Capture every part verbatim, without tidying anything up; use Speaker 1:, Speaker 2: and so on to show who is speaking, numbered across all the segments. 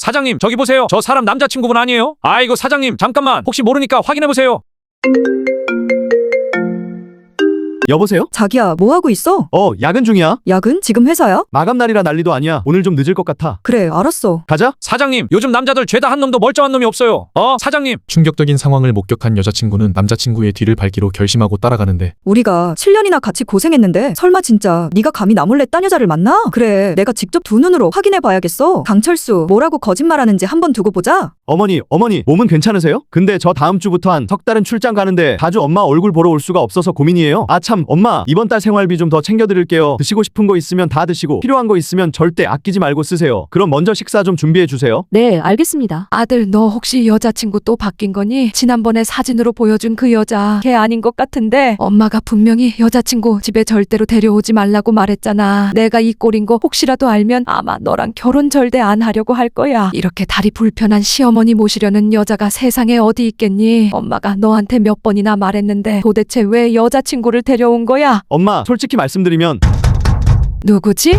Speaker 1: 사장님, 저기 보세요. 저 사람 남자친구분 아니에요? 아이고 사장님, 잠깐만. 혹시 모르니까 확인해보세요.
Speaker 2: 여보세요?
Speaker 3: 자기야, 뭐 하고 있어?
Speaker 2: 어, 야근 중이야.
Speaker 3: 야근? 지금 회사야?
Speaker 2: 마감날이라 난리도 아니야. 오늘 좀 늦을 것 같아.
Speaker 3: 그래, 알았어.
Speaker 2: 가자.
Speaker 1: 사장님, 요즘 남자들 죄다 한 놈도 멀쩡한 놈이 없어요. 어, 사장님.
Speaker 4: 충격적인 상황을 목격한 여자친구는 남자친구의 뒤를 밟기로 결심하고 따라가는데
Speaker 3: 우리가 칠 년이나 같이 고생했는데 설마 진짜 네가 감히 나 몰래 딴 여자를 만나? 그래, 내가 직접 두 눈으로 확인해봐야겠어. 강철수, 뭐라고 거짓말하는지 한번 두고 보자.
Speaker 2: 어머니, 어머니, 몸은 괜찮으세요? 근데 저 다음 주부터 한 석 달은 출장 가는데 자주 엄마 얼굴 보러 올 수가 없어서 고민이에요. 아 참, 엄마, 이번 달 생활비 좀 더 챙겨드릴게요. 드시고 싶은 거 있으면 다 드시고 필요한 거 있으면 절대 아끼지 말고 쓰세요. 그럼 먼저 식사 좀 준비해 주세요.
Speaker 5: 네, 알겠습니다. 아들, 너 혹시 여자친구 또 바뀐 거니? 지난번에 사진으로 보여준 그 여자, 걔 아닌 것 같은데 엄마가 분명히 여자친구 집에 절대로 데려오지 말라고 말했잖아. 내가 이 꼴인 거 혹시라도 알면 아마 너랑 결혼 절대 안 하려고 할 거야. 이렇게 다리 불편한 시어머니 모시려는 여자가 세상에 어디 있겠니? 엄마가 너한테 몇 번이나 말했는데 도대체 왜 여자친구를 데려온 거야?
Speaker 2: 엄마, 솔직히 말씀드리면
Speaker 5: 누구지?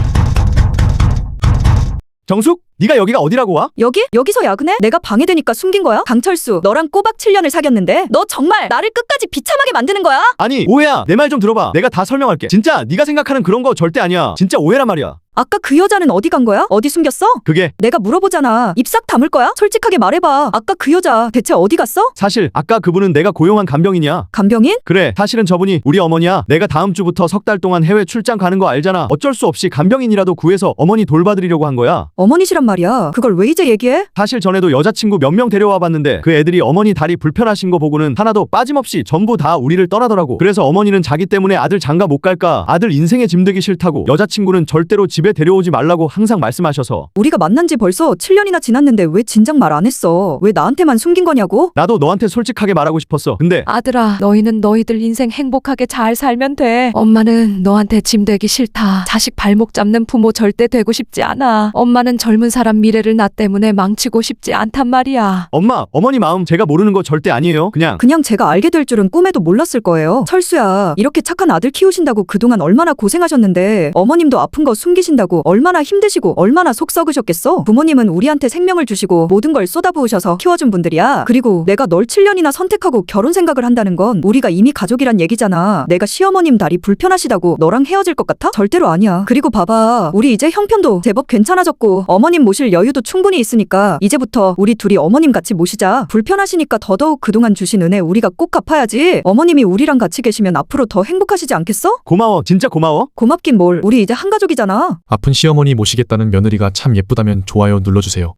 Speaker 2: 정숙? 네가 여기가 어디라고 와?
Speaker 3: 여기? 여기서 야근해? 내가 방해되니까 숨긴 거야? 강철수, 너랑 꼬박 칠 년을 사귀었는데 너 정말 나를 끝까지 비참하게 만드는 거야?
Speaker 2: 아니, 오해야. 내 말 좀 들어봐. 내가 다 설명할게. 진짜 네가 생각하는 그런 거 절대 아니야. 진짜 오해란 말이야.
Speaker 3: 아까 그 여자는 어디 간 거야? 어디 숨겼어?
Speaker 2: 그게
Speaker 3: 내가 물어보잖아. 입 싹 다물 거야? 솔직하게 말해봐. 아까 그 여자 대체 어디 갔어?
Speaker 2: 사실 아까 그분은 내가 고용한 간병인이야.
Speaker 3: 간병인?
Speaker 2: 그래, 사실은 저분이 우리 어머니야. 내가 다음 주부터 석 달 동안 해외 출장 가는 거 알잖아. 어쩔 수 없이 간병인이라도 구해서 어머니 돌봐드리려고 한 거야.
Speaker 3: 어머니시란 말이야. 그걸 왜 이제 얘기해?
Speaker 2: 사실 전에도 여자친구 몇 명 데려와 봤는데 그 애들이 어머니 다리 불편하신 거 보고는 하나도 빠짐없이 전부 다 우리를 떠나더라고. 그래서 어머니는 자기 때문에 아들 장가 못 갈까, 아들 인생에 짐되기 싫다고, 여자친구는 절대로 집에 데려오지 말라고 항상 말씀하셔서.
Speaker 3: 우리가 만난 지 벌써 칠 년이나 지났는데 왜 진작 말 안 했어? 왜 나한테만 숨긴 거냐고?
Speaker 2: 나도 너한테 솔직하게 말하고 싶었어. 근데
Speaker 5: 아들아, 너희는 너희들 인생 행복하게 잘 살면 돼. 엄마는 너한테 짐 되기 싫다. 자식 발목 잡는 부모 절대 되고 싶지 않아. 엄마는 젊은 사람 미래를 나 때문에 망치고 싶지 않단 말이야.
Speaker 2: 엄마, 어머니 마음 제가 모르는 거 절대 아니에요. 그냥
Speaker 3: 그냥 제가 알게 될 줄은 꿈에도 몰랐을 거예요. 철수야, 이렇게 착한 아들 키우신다고 그동안 얼마나 고생하셨는데 어머님도 아픈 거 숨기신다고 얼마나 힘드시고 얼마나 속 썩으셨겠어? 부모님은 우리한테 생명을 주시고 모든 걸 쏟아부으셔서 키워준 분들이야. 그리고 내가 널 칠 년이나 선택하고 결혼 생각을 한다는 건 우리가 이미 가족이란 얘기잖아. 내가 시어머님 다리 불편하시다고 너랑 헤어질 것 같아? 절대로 아니야. 그리고 봐봐, 우리 이제 형편도 제법 괜찮아졌고 어머님 모실 여유도 충분히 있으니까 이제부터 우리 둘이 어머님 같이 모시자. 불편하시니까 더더욱 그동안 주신 은혜 우리가 꼭 갚아야지. 어머님이 우리랑 같이 계시면 앞으로 더 행복하시지 않겠어?
Speaker 2: 고마워. 진짜 고마워.
Speaker 3: 고맙긴 뭘. 우리 이제 한 가족이잖아.
Speaker 4: 아픈 시어머니 모시겠다는 며느리가 참 예쁘다면 좋아요 눌러주세요.